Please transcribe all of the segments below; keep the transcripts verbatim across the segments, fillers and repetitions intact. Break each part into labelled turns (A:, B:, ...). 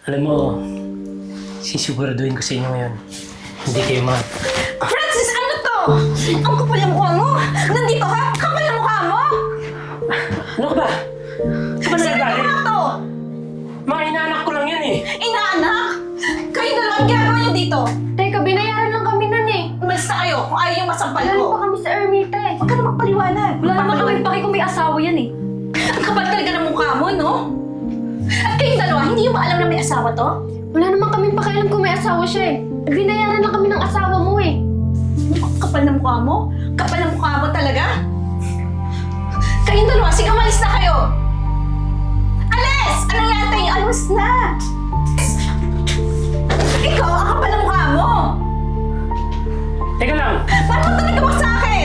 A: Alam mo, sisiguraduhin ko sa inyo ngayon. Hindi kayo ma...
B: Francis, ano to? Ang kapal ng mukha mo! Nandito ka? Kapal ng mukha mo!
A: Ano ka ba? Saan ba
B: Sino
A: nagagalit?
B: ba to?
A: Mga inaanak ko lang yan eh.
B: Inaanak? Kayo na lang ang ginagawa niyo dito.
C: Teka, binayaran lang kami nun eh.
B: Umalis na kayo kung ayaw yung masampal
C: Wala
B: ko.
C: pa kami sa Ermita eh.
B: Huwag ka na magpaliwanag.
C: Wala naman kami paki kung may asawa yan eh.
B: Ang kapal talaga ng mukha mo, no? At kayong dalawa, hindi yung ba alam na may asawa to?
C: Wala naman kami pakialam kung may asawa siya eh. Binayaran lang kami ng asawa mo eh.
B: Ang kapal ng mukha mo? Kapal ng mukha mo talaga? Kayong dalawa, sige umalis na kayo! Alis! Anong yatay niyo? Alis na! Ikaw, ang kapal ng mukha mo!
A: Teka lang!
B: Paano mo talaga mo sa akin?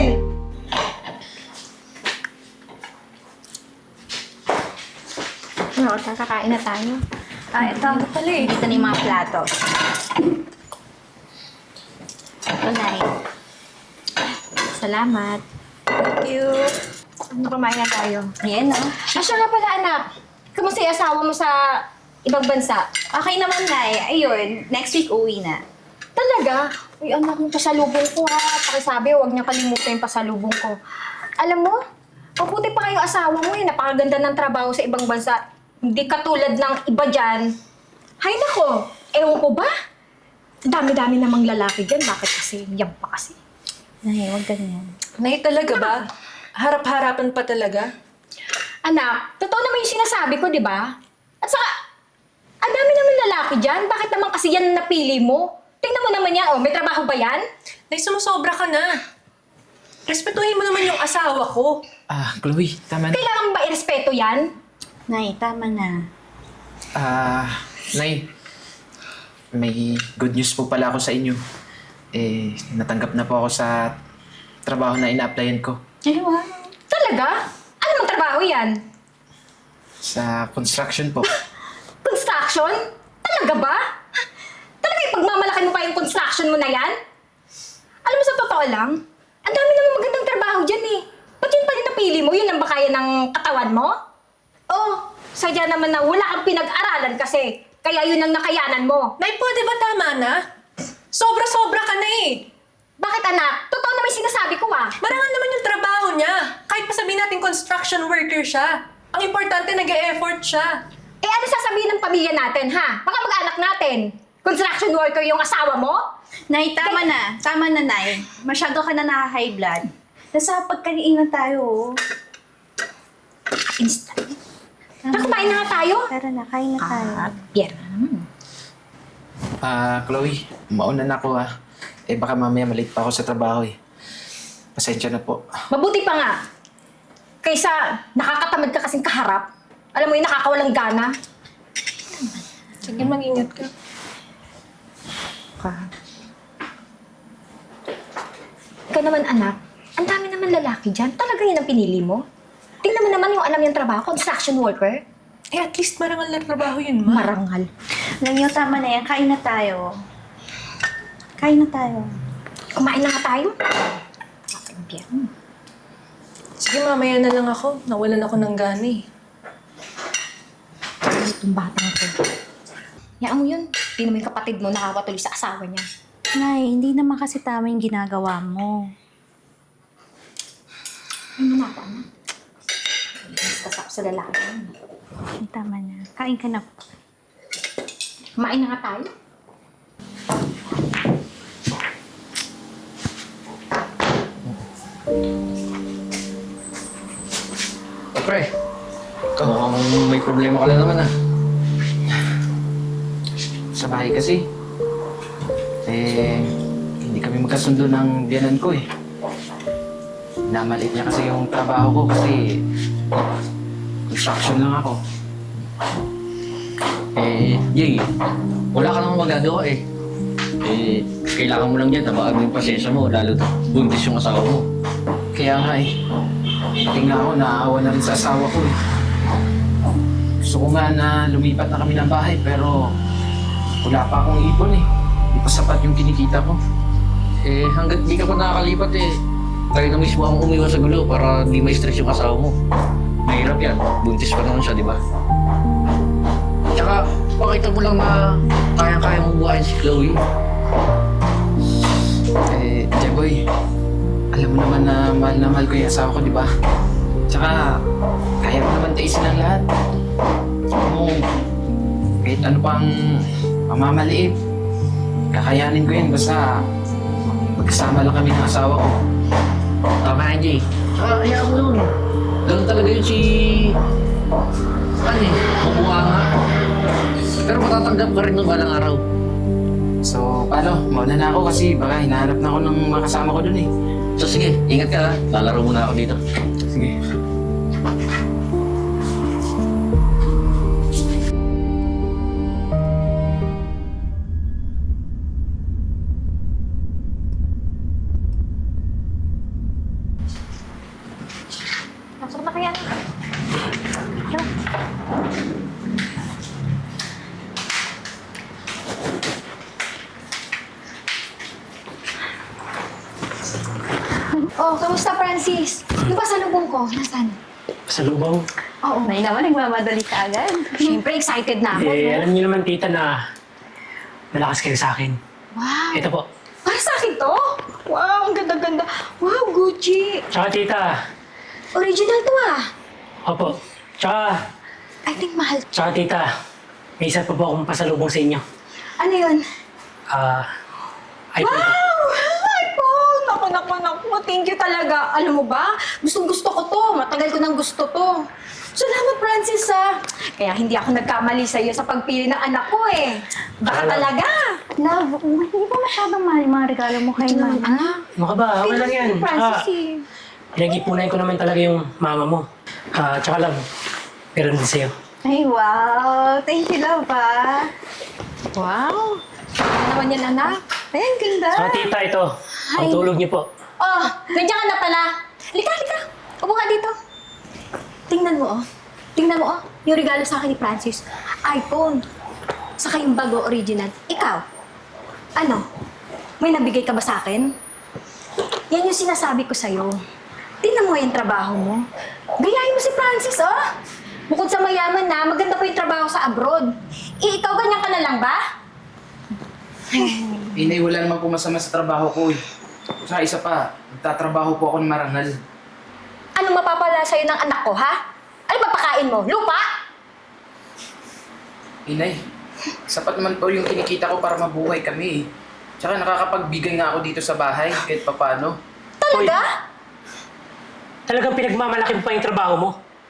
C: No, kakain na tayo.
B: Ah, ito. Ito pala eh. Dito na yung mga plato.
C: Ito, Nay. Salamat.
B: Thank you.
C: Ano, kumain na tayo?
B: Yan, no?
C: Ah, siya nga pala, anak. Kamusta yung asawa mo sa ibang bansa?
B: Okay naman, Nay. Ayun, next week uwi na.
C: Talaga? Uy, anak, yung pasalubong ko ha. Pakisabi, huwag niya kalimutan yung pasalubong ko. Alam mo, mabuti pa kayo asawa mo eh. Napakaganda ng trabaho sa ibang bansa. Hindi katulad ng iba dyan. Hay nako, ewan ko ba? Ang dami-dami namang lalaki dyan. Bakit kasi? Yan pa kasi.
B: Nay, huwag ganyan.
D: Nay, talaga ba? Harap-harapan pa talaga?
C: Anak, totoo naman yung sinasabi ko, di ba? At saka, ang dami naman lalaki dyan. Bakit naman kasi yan ang napili mo? Tingnan mo naman yan, oh. May trabaho ba yan?
D: Nay, sumusobra ka na. Respetuhin mo naman yung asawa ko.
E: Ah, Chloe, tama na.
C: Kailangan ba irespeto yan?
B: Nay, tama na.
E: Ah, Nay, may good news po pala ako sa inyo. Eh, natanggap na po ako sa trabaho na ina-applyan ko.
B: Ay, wow.
C: Talaga? Ano mang trabaho yan?
E: Sa construction po.
C: Construction? Talaga ba? Talaga ipagmamalaki mo pa yung construction mo na yan? Alam mo sa totoo lang, ang dami naman magandang trabaho dyan eh. Ba't yun pa rin napili mo? Yun ang ba kaya ng katawan mo? Oh, sadya naman na wala kang pinag-aralan kasi kaya yun ang nakayanan mo.
D: Nay, pwede ba tama na? Sobra-sobra ka na eh.
C: Bakit anak? Totoo naman yung sinasabi ko ah.
D: Marangal naman yung trabaho niya. Kahit pa sabihin natin construction worker siya. Ang importante, nag-e-effort siya.
C: Eh ano sasabihin ng pamilya natin ha? Baka mag-anak natin. Construction worker yung asawa mo?
B: Nay, tama na. Tama na, Nay. Masyado ka na naka-high blood. Nasa pagkainan tayo, oh.
C: Instant. Tara, kumain na nga tayo.
B: Tara na, kain na tayo.
C: Ah, Pierre.
E: Ah, Chloe, mauna na ako ah. Eh, baka mamaya malate pa ako sa trabaho eh. Pasensya na po.
C: Mabuti pa nga. Kaysa nakakatamad ka kasing kaharap. Alam mo yung nakakawalang gana.
D: Sige, mag-ingat ka.
C: Ka. Ikaw naman anak, ang dami naman lalaki dyan. Talaga yun ang pinili mo? Tingnan mo naman yung alam yung trabaho, construction worker.
D: Eh, at least marangal na trabaho yun, ma.
C: Marangal.
B: Alam niyo, tama na yan. Kain na tayo. Kain na tayo.
C: Kumain na nga tayo. Pierre.
D: Sige, mamaya na lang ako. Nawalan ako ng gana eh.
C: Itong batang to. Yaan mo yun. Hindi naman yung kapatid mo nakakatuloy sa asawa niya.
B: Nay, hindi naman kasi tama yung ginagawa mo.
C: Ano na ako, anak? Mas kasap sa lalaki.
B: Ay, tama na. Kain ka na.
C: Kumain na nga tayo.
F: Oh, pre. Mukhang may problema ka na naman ah.
E: Sa bahay kasi. Eh, hindi kami magkasundo ng biyanan ko eh. Namalit niya kasi yung trabaho ko kasi construction lang ako.
F: Eh, Jay, wala ka namang magagawa eh. Eh, kailangan mo lang yan, tabaan mo yung pasensya mo, lalo buntis yung asawa mo.
E: Kaya nga eh, tingnan ako, naaawa na rin sa asawa ko eh. Gusto ko nga na lumipat na kami ng bahay pero wala pa akong ipon eh. Hindi pa sapat yung kinikita ko.
F: Eh, hanggat di ka pa nakakalipat eh, tayo na mismo ang umiwas sa gulo para di ma-stress yung asawa mo. Mahirap yan, buntis pa naman siya, di ba? Tsaka, Pakita mo lang na kaya-kaya mo buhayin si Chloe.
E: Eh, Jeboy, alam mo naman na mahal na mahal ko yung asawa ko, di ba? Tsaka, kaya mo naman taisin ang lahat. Kung kahit ano pang pamamaliit, kakayanin ko yun basta magkasama lang kami ng asawa ko.
F: Tama na, Jay. Tsaka hayaan mo yun. Ganun talaga yun si... Ano eh, mabuha nga. Pero matatanggap ka rin ng balang araw.
E: So, paano? Mauna na ako kasi baka hinahanap na ako ng mga kasama ko dun eh.
F: So sige, ingat ka ha. Lalaro muna ako dito.
E: Sige.
C: Pasok na kaya. Oh, kamusta, Francis? Yung pasalubong ko, nasaan?
A: Sa lubong.
C: Oo.
B: Nay naman, nagmamadali ka agad.
C: Siyempre, excited na ako.
A: Eh,
C: no?
A: alam niyo naman, tita, na malakas kayo sa akin.
C: Wow.
A: Ito po.
C: Para sa akin to? Wow, ang ganda-ganda. Wow, Gucci.
A: Tsaka, tita.
C: Original to ah.
A: Opo. Tsaka,
C: I think mahal.
A: tsaka, tita. May isa pa po akong pasalubong sa inyo.
C: Ano yun?
A: Ah, iPhone po.
C: Wow! iPhone! Naku, naku, naku. Thank you talaga. Alam mo ba? Gustong gusto ko to. Matagal ko nang gusto to. Salamat, Francis, ah. Kaya hindi ako nagkamali sa iyo sa pagpili ng anak ko eh. Baka
A: Alam.
C: talaga.
B: Love, hindi ba masyadong mahal yung mga regalo mo kay
C: Ito naman,
B: mama?
C: anak.
A: Ano ka ba? Okay lang yan.
C: Francis
A: Tsaka,
C: eh.
A: pinag-ipunan ko naman talaga yung mama mo. Ah, tsaka lang, meron din sa'yo.
B: Ay, wow. Thank you, love, ah.
C: Wow. Ano naman yan, anak?
B: Ay, ang ganda.
A: Tsaka, tita, ito. Ang tulog niyo po.
C: Oh, nandiyan ka na pala. Lika, lika. Upo ka dito. Tingnan mo, oh. Tingnan mo, oh. Yung regalo sa akin ni Francis. iPhone. Saka yung bago original. Ikaw. Ano? May nabigay ka ba sa akin? Yan yung sinasabi ko sa'yo. Tingnan mo yung trabaho mo. Gayahin mo si Francis, oh. Bukod sa mayaman na, maganda pa yung trabaho sa abroad. Eh, ikaw ganyan ka na lang ba?
E: Inay, wala naman po masama sa trabaho ko eh. Tsaka isa pa, nagtatrabaho po ako ng marangal.
C: Anong mapapala sa'yo ng anak ko, ha? Ano papakain mo? Lupa?
E: Inay, sapat naman po yung kinikita ko para mabuhay kami eh. Tsaka nakakapagbigay nga ako dito sa bahay kahit papano.
C: Talaga?
A: Talagang pinagmamalaki mo pa yung trabaho mo.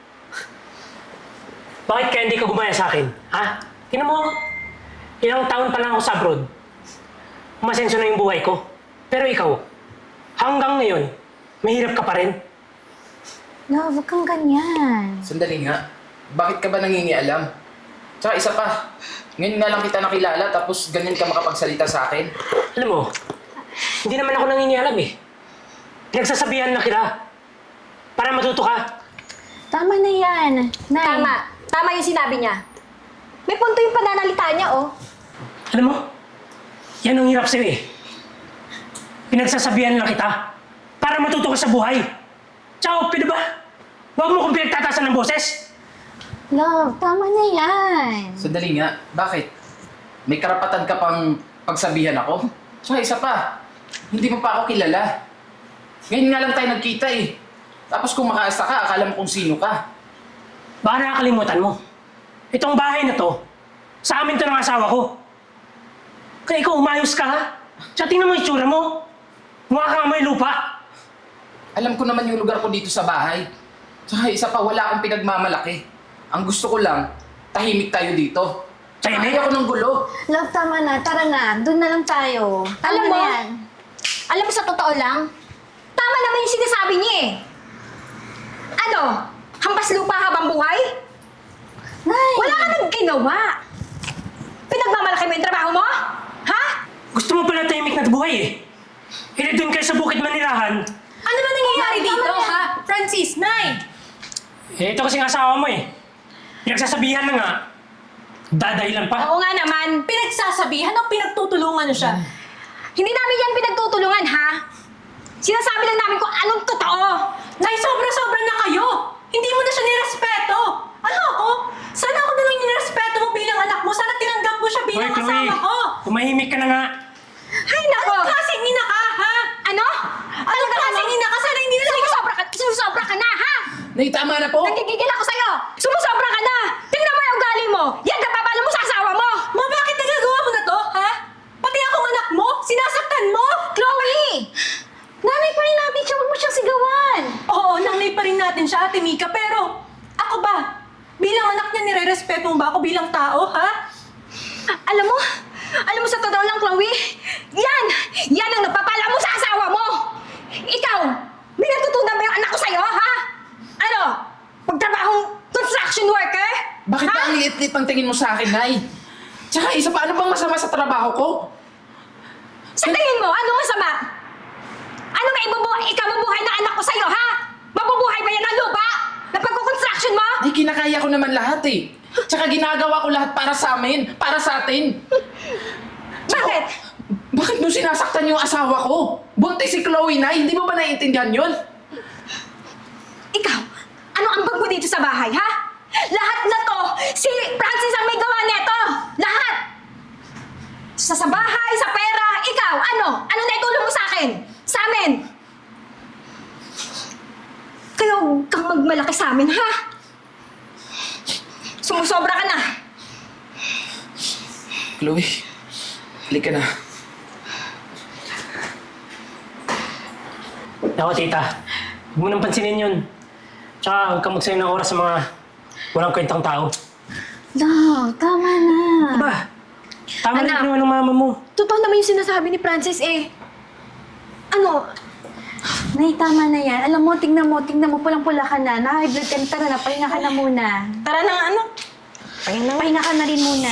A: Bakit kaya hindi ka gumaya sa akin? Ha? Tingnan mo, ilang taon pa lang ako sa abroad. Umasenso na yung buhay ko. Pero ikaw, hanggang ngayon, mahirap ka pa rin.
B: Love, huwag kang ganyan.
E: Sandali nga, bakit ka ba nangingialam? Tsaka isa pa, ngayon nga lang kita nakilala tapos ganyan ka makapagsalita sa akin.
A: Alam mo, hindi naman ako nangingialam eh. Pinagsasabihan na kita. Para matuto ka.
B: Tama na yan. Nay.
C: Tama. Tama yung sinabi niya. May punto yung pananalita niya, oh.
A: Alam mo, yan ang hirap sa'yo eh. Pinagsasabihan lang kita. Para matuto ka sa buhay. Tsaka, pwede ba? Huwag mo kong pinagtatasan ng boses.
B: Love, tama na yan.
E: Sandali nga, bakit? May karapatan ka pang pagsabihan ako? Tsaka isa pa, hindi mo pa ako kilala. Ngayon nga lang tayo nagkita eh. Tapos kung makaasta ka, akala mo kung sino ka.
A: Baka nakakalimutan mo. Itong bahay na to, sa amin to ng asawa ko. Kaya ikaw umayos ka ha? Tsaka tingnan mo yung itsura mo. Mukha kang may lupa.
E: Alam ko naman yung lugar ko dito sa bahay. Tsaka isa pa, wala akong pinagmamalaki. Ang gusto ko lang, tahimik tayo dito.
A: Tahimik?
E: Ayaw ko ng gulo.
B: Love, tama na. Tara na. Doon na lang tayo. Tama
C: Alam
B: na
C: mo,
B: yan.
C: alam mo sa totoo lang, tama naman yung sinasabi niya eh. Ano? Hampas lupa habang buhay?
B: Nay.
C: Wala ka nang ginawa. Pinagmamalaki mo yung trabaho mo? Ha?
A: Gusto mo pala tahimik na buhay eh. Hindi doon kayo sa bukit manirahan.
D: Ano ba nangyayari
B: Tama
D: dito,
B: na.
D: ha? Francis, Nay!
A: Eh, ito kasing asawa mo eh. Pinagsasabihan na nga. Dadahilan pa.
C: Oo nga naman.
D: Pinagsasabihan o pinagtutulungan niyo siya?
C: Hindi namin yan pinagtutulungan, ha? Sinasabi lang namin kung anong totoo.
D: Nay, sobra-sobra na kayo! Hindi mo na siya nirespeto! Ano ako? Sana ako na lang yung respeto mo bilang anak mo. Sana tinanggap mo siya
A: Hoy,
D: bilang
A: Chloe!
D: asawa ko.
A: Tumahimik ka na nga!
C: Ay, nako!
D: Anong klaseng ina ka, ha?
C: Ano?
D: Anong klaseng ina ka? Sana hindi na lang
C: Sumusobra ka, sumusobra ka na, ha?
E: Nay, tama na po!
C: Nagigigil ako sa'yo! Sumusobra ka na! Tingnan mo yung ugali mo! Yan ka papalo mo sa asawa mo!
D: Ma, bakit nagagawa mo na to, ha? Pati akong anak mo, sinasaktan mo?
C: Chloe! Nanay pa rin natin siya, huwag mo siyang sigawan!
D: Oo, nanay pa rin natin siya, Ate Mika, pero ako ba? Bilang anak niya, nire-respeto mo ba ako bilang tao, ha?
C: Alam mo, alam mo sa totoo lang, Chloe, yan! Yan ang napapala mo sa asawa mo! Ikaw, may natutunan ba yung anak ko sa'yo, ha? Ano? Pagtrabahong construction worker?
E: Bakit
C: ha?
E: ba ang liit-liit ang tingin mo sa akin, Nay? Tsaka isa pa, ano bang masama sa trabaho ko?
C: Sa tingin mo, ano masama? Ano ba ibubuhay, ikabubuhay na anak ko sa'yo, ha? Mabubuhay ba yan ang lupa? Na pagkukonstruction mo?
E: Ay, kinakaya ko naman lahat eh. Tsaka ginagawa ko lahat para sa amin, para sa atin.
C: Bakit?
E: Bakit mo sinasaktan yung asawa ko? Buntis si Chloe, Nay. Hindi mo ba naiintindihan yun?
C: Ikaw, ano ang bag mo dito sa bahay, ha? Lahat na to, si Francis ang may gawa neto! Lahat! Sa, sa bahay, sa pera, ikaw, ano? Ano na itulong mo sa akin? Sa amin? Kaya huwag kang magmalaki sa amin, ha? Sumusobra ka na.
E: Chloe, halika na.
A: Ako, tita. Huwag mo nang pansinin yun. Tsaka huwag kang magsayang ng oras sa mga walang kwentang tao.
B: No, tama na.
A: Ba? Tama na
B: Anak.
A: yung ng mama mo.
B: Totoo naman yung sinasabi ni Francis eh. Ano? Nay, tama na yan. Alam mo, tingnan mo, tingnan mo, pulang-pula ka na. Na-high blood ka na. Tara na, pahinga ka na muna.
D: Tara na nga, ano?
B: Pahinga, pahinga ka na rin muna.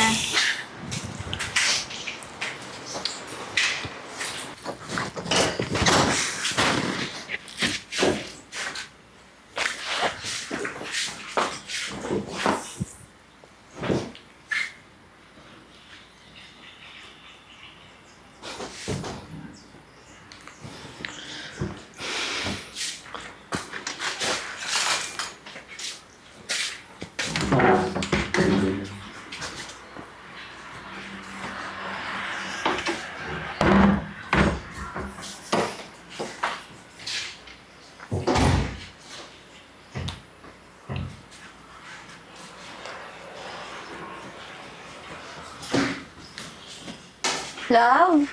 B: Love?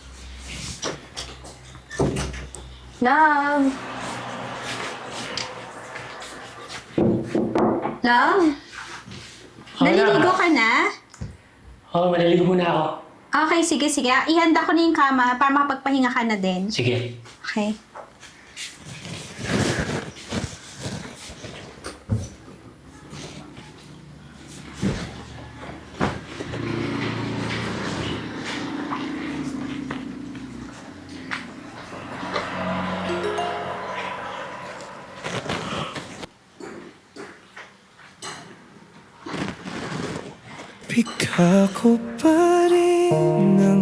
B: Love? Love? Naliligo ka na?
A: Oo, maliligo muna ako.
B: Okay, sige, sige. Ihanda ko na yung kama para makapagpahinga ka na din.
A: Sige.
B: Okay.
G: Bigla ko pa rin ang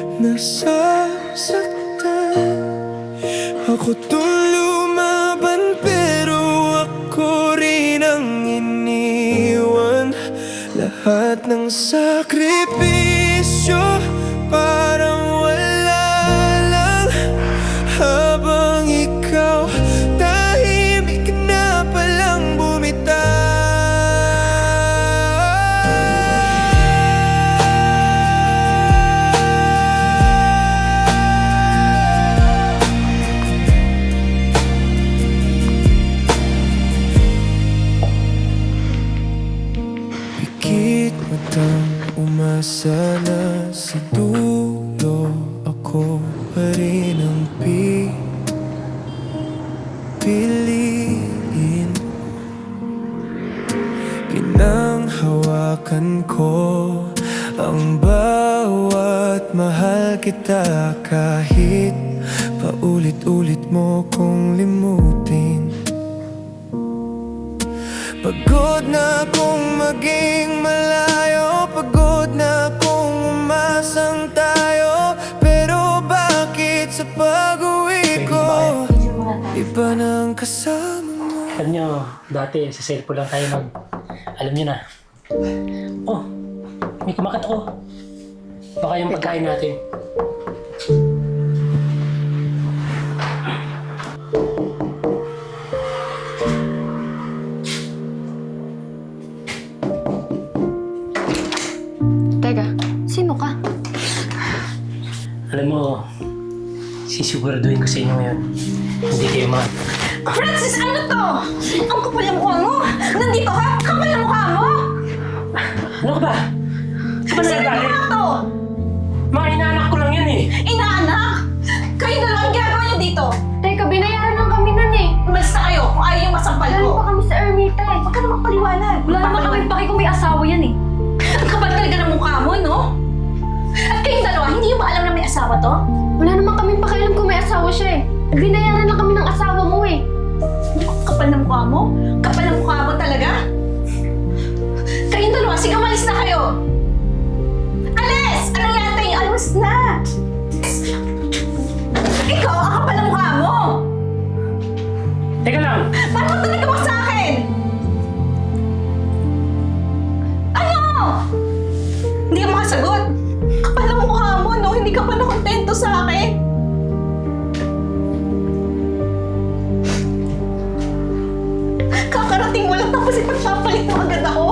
G: nasasaktan. Ako tong lumaban pero ako rin ang iniwan. Lahat ng sakripisyo parang wala lang. Habang ikaw tahimik na palang bumitaw. Pikit matang umasa na sa dulo. Ako pa rin ang pipiliin. Pinanghawakan ko ang bawat mahal kita. Kahit paulit-ulit mo kong limutin. Pagod na akong maging malayo. Pagod na akong umasang tayo. Pero bakit sa pag-uwi ko iba ng kasama mo?
A: Alam nyo, dati sa cellphone lang tayo mag Alam niyo na. Oh, may kumakat ako. Baka yung pagkain natin.
C: Teka, sino ka?
A: Alam mo, sisiguraduhin ko sa inyo ngayon. Hindi kayo ma...
B: Francis, ano to? Ang kapal ng mukha mo! Nandito ka? Kapal ng mukha mo!
A: Ano ka ba? Ka ba
B: Sino
A: nagagalit?
B: ba to?
A: Mga inaanak ko lang yan eh.
B: Inaanak! Kayo dalawa ang ginagawa niyo dito!
C: Teka, binayaran lang kami nun eh.
B: Umalis na kayo kung ayaw yung masampal
C: Galing
B: ko.
C: pa kami sa Ermita eh.
B: Huwag ka na magpaliwanag.
C: Wala naman kami paki kung may asawa yan eh.
B: Ang kapal talaga ng mukha mo, no? At kayong dalawa, hindi yung ba alam na may asawa to?
C: Wala naman kami pakialam kung may asawa siya eh. Binayaran lang kami ng asawa mo eh.
B: Ang kapal ng mukha mo? Kapal ng mukha mo talaga? Kayong dalawa, sige umalis na kayo! Alis! Anong yata yung alis na? Ikaw, ang kapal ng mukha mo!
A: Teka lang,
B: Paano mo talaga mo sa akin? Ano? Hindi ka makasagot. Kapal ng mukha mo, no? Hindi ka pa nakontento sa akin. Kakarating mo lang tapos ipagpapalit mo agad ako.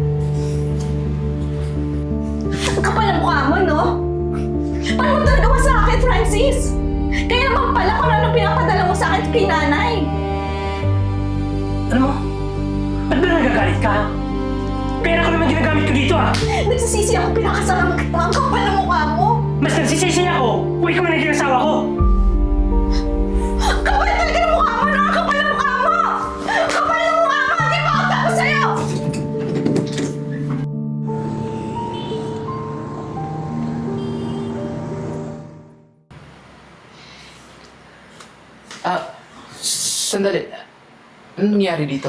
B: Ang kapal ng mukha mo, no? Paano mo talaga mo sa akin, Francis? Kaya naman pala kung ano pinapadala mo sa akin kay nanay.
A: alam mo, ba't ba nagagalit ka? Pera ko naman ginagamit ko dito ah.
B: Nagsisisi ako pinakasama kita. Ang kapal ng mukha mo.
A: Mas nagsisisi ako kung ikaw na naging asawa ko.
B: Kapal talaga ng mukha mo! Nakakapal ng mukha mo! Kapal ng mukha mo! Hindi pa ako tapos sa'yo!
E: Ah, sandali. Anong nangyari dito?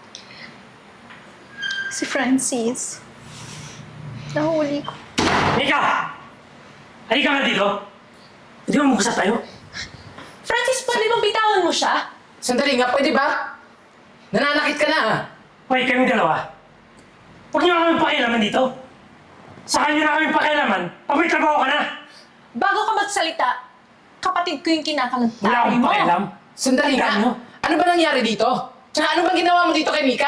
B: Si Francis. Nahuli ko.
A: Mika! Halika nga dito. Hindi mo mag-usap tayo.
D: Francis, pwede bang bitawan mo siya?
E: Sandali nga, pwede ba? Nananakit ka na ah.
A: Hoy, kaming dalawa. Huwag niyo na kami pakialaman dito. Saka niyo na kami pakialaman pag may trabaho ka na.
D: Bago ka magsalita, kapatid ko yung kinakalantay
A: Wala akong
D: mo.
A: pakialam.
E: Sandali nga.
A: Ano?
E: Ano ba nangyari dito? Tsaka ano bang ginawa mo dito kay Mika?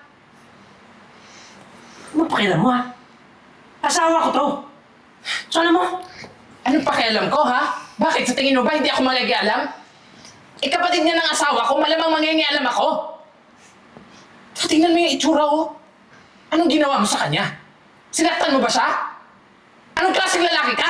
A: Ano pakialam mo ha? Asawa ko to. So alam mo,
E: Anong pakialam ko, ha? Bakit? Sa tingin mo ba hindi ako magigialam? Eh, kapatid niya ng asawa ko, malamang mangingialam ako. So, tingnan mo yung itsura, oh. Anong ginawa mo sa kanya? Sinaktan mo ba siya? Anong klaseng lalaki ka?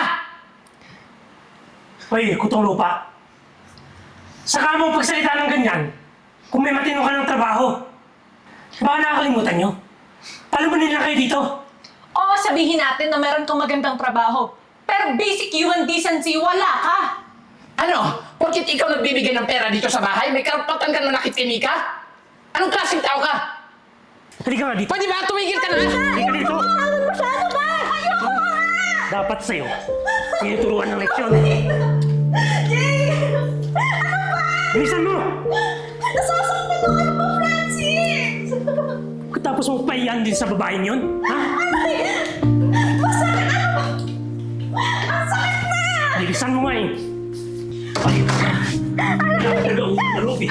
A: hoy, kutong lupa. Saka mo pagsalita ng ganyan, kung may matino ka ng trabaho. Baka nakakalimutan nyo. Palumanin lang kayo dito.
D: Oo, sabihin natin na meron kang magandang trabaho. Pero basic human decency, wala ka.
E: Ano? Porkit ikaw nagbibigay ng pera dito sa bahay, may karapatan ka manakit kay Mika? Anong klaseng tao ka?
A: Halika nga dito.
E: Pwede ba? Tumigil ka na!
A: Halika dito.
B: Masyado ba? Ayoko nga!
A: Dapat sa'yo, tinuturuan ng leksyon.
B: Jay!
A: Bilisan mo!
B: Nasasaktan ako ano ba, Francis?
A: Tapos mo pahiyan din sa babaeng yun? Ha?
B: Masakit ano ba? Ang sakit na!
A: Bilisan mo nga eh. Ay, talaga utang na loob eh.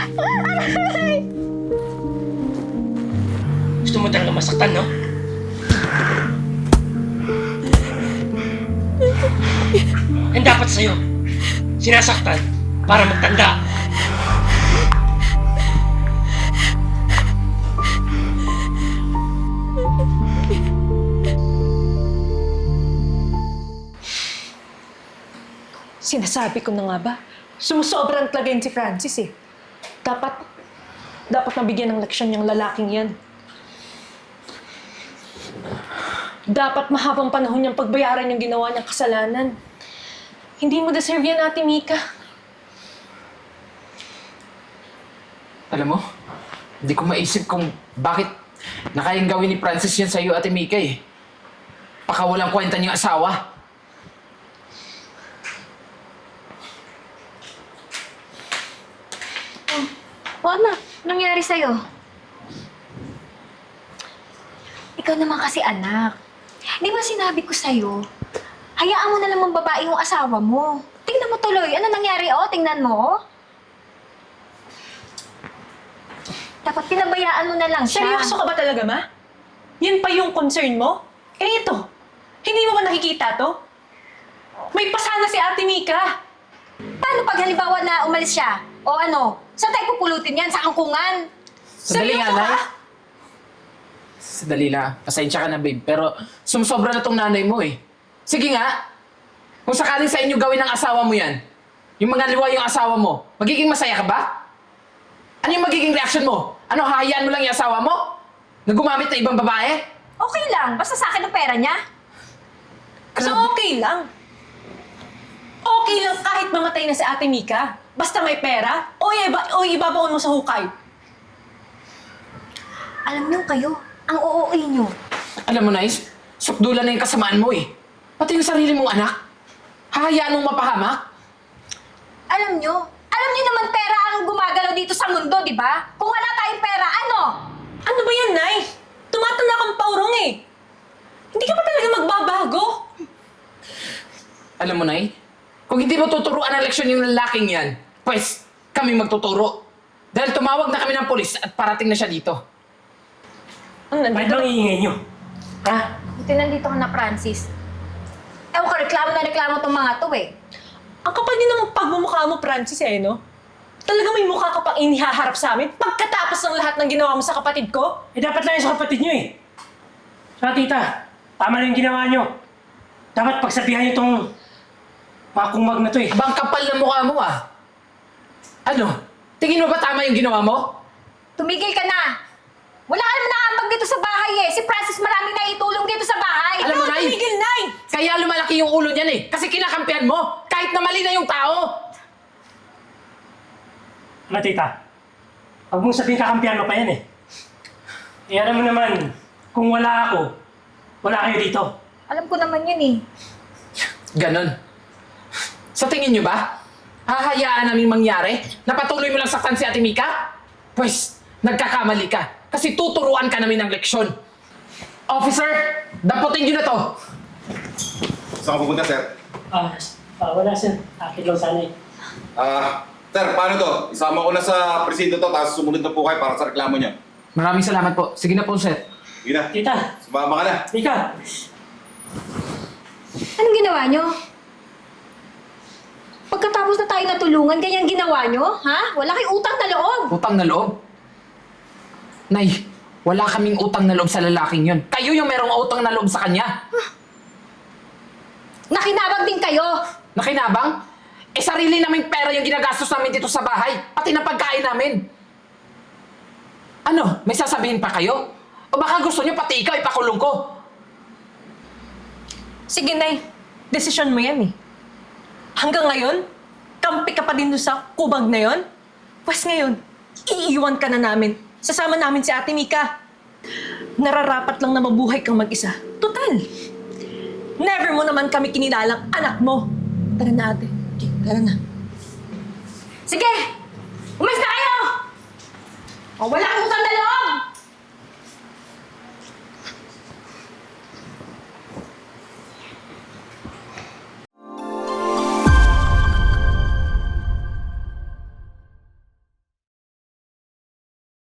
A: Gusto mo talaga masaktan, no? Ang dapat sa'yo, sinasaktan para magtanda.
D: Sinasabi ko na nga ba? Sumusobrang talaga yun si Francis eh. Dapat, dapat mabigyan ng leksyon yung lalaking yan. Dapat mahabang panahon niyang pagbayaran yung ginawa niyang kasalanan. Hindi mo deserve yan, Ate Mika.
E: Alam mo, hindi ko maisip kung bakit nakayang gawin ni Francis yan sa'yo, Ate Mika eh. Baka walang kwenta niyong asawa.
C: O anak, nangyari sa'yo? Ikaw naman kasi anak. Di ba sinabi ko sa'yo, hayaan mo na lang babae yung asawa mo. Tingnan mo tuloy. Ano nangyari, oh? Tingnan mo, oh. Dapat pinabayaan mo na lang siya.
D: Seryoso ka ba talaga, ma? Yan pa yung concern mo? Eh ito, hindi mo ba nakikita to? May pasana si Ate Mika.
C: Paano pag halimbawa na umalis siya? O ano? Saan tayo pupulutin yan? Sa angkungan?
E: Sandali nga,
D: Seryoso
E: Nay.
D: ka?
E: Sandali lang. Pasensya ka na, babe. Pero sumusobra na tong nanay mo eh. Sige nga. Kung sakaling sa inyo gawin ng asawa mo yan, yung mga liwa yung asawa mo, magiging masaya ka ba? Ano yung magiging reaction mo? Ano, hahayaan mo lang yung asawa mo? Na gumamit ng ibang babae?
C: Okay lang. Basta sa akin ang pera niya.
D: So okay lang. Okay lang kahit mamatay na si Ate Mika. Basta may pera, o, iba, o ibabaon mo sa hukay.
C: Alam niyo kayo, ang oo niyo.
E: Alam mo, Nice, sukdulan na yung kasamaan mo eh. Pati yung sarili mong anak. Hahayaan mong mapahamak?
C: Alam niyo, alam niyo naman pera ang gumagalaw dito sa mundo, di ba? Kung wala tayong pera, ano?
D: Ano ba yan, Nay? Tumatanda kang paurong eh. Hindi ka ba talaga magbabago?
E: Alam mo, Nay, kung hindi mo tuturuan ng leksyon yung lalaking yan, pues, kami magtuturo. Dahil tumawag na kami ng polis at parating na siya dito.
D: Ang
A: Bakit
D: nandito?
A: bang iingay nyo? Ha?
C: Buti nandito ka na, Francis. Ewan ko, reklamo na reklamo tong mga to eh.
D: Ang kapal din ng pagmumukha mo, Francis, eh, no? Talaga may mukha ka pang inihaharap sa amin pagkatapos ng lahat ng ginawa mo sa kapatid ko?
A: Eh dapat lang yung sa kapatid nyo eh. Saka tita, tama na yung ginawa nyo. Dapat pagsabihan nyo tong mga kumag na to eh.
E: Abang kapal na mukha mo ah. Ano? Tingin mo ba tama yung ginawa mo?
C: Tumigil ka na! Wala ka naman nakambag dito sa bahay eh. Si Francis maraming naitulong dito sa bahay.
E: Alam mo, Nay,
D: Tumigil, Nay!
E: kaya lumalaki yung ulo niyan eh. Kasi kinakampihan mo, kahit na mali na yung tao.
A: Ano tita? Huwag mong sabihin kakampihan mo pa yan eh. Eh alam mo naman, kung wala ako, wala kayo dito.
C: Alam ko naman yun eh.
E: Ganon. Sa tingin niyo ba? Hahayaan namin mangyari? Napatuloy mo lang saktan si Ate Mika? Pues, nagkakamali ka. Kasi tuturuan ka namin ng leksyon. Officer, daputin niyo na to.
H: Saan ka pupunta, sir?
A: Ah, ah wala sir. Akit lang sana eh.
H: Ah, sir, paano to? Isama ko na sa presinto to, tapos sumunod na po kayo para sa reklamo niyo.
E: Maraming salamat po. Sige na po, sir.
H: Sige na,
A: Tita,
H: sumama ka na.
A: Mika,
C: Anong ginawa nyo? Pagkatapos na tayo natulungan, ganyan ginawa nyo? Ha? Wala kayong utang na loob.
E: Utang na loob? Nay, wala kaming utang na loob sa lalaking yun. Kayo yung merong utang na loob sa kanya.
C: Nakinabang din kayo.
E: Nakinabang? Eh, sarili naming pera yung ginagastos namin dito sa bahay. Pati na pagkain namin. Ano? May sasabihin pa kayo? O baka gusto nyo pati ikaw ipakulong ko?
D: Sige, Nay. Desisyon mo yan eh. Hanggang ngayon, kampi ka pa din doon sa kubag na yon. Pues ngayon, iiwan ka na namin. Sasama namin si Ate Mika. Nararapat lang na mabuhay kang mag-isa. Total. Never mo naman kami kinilalang anak mo. Tara na, ate. Okay, tara na.
C: Sige! Umalis na kayo! O, wala kang utang na loob!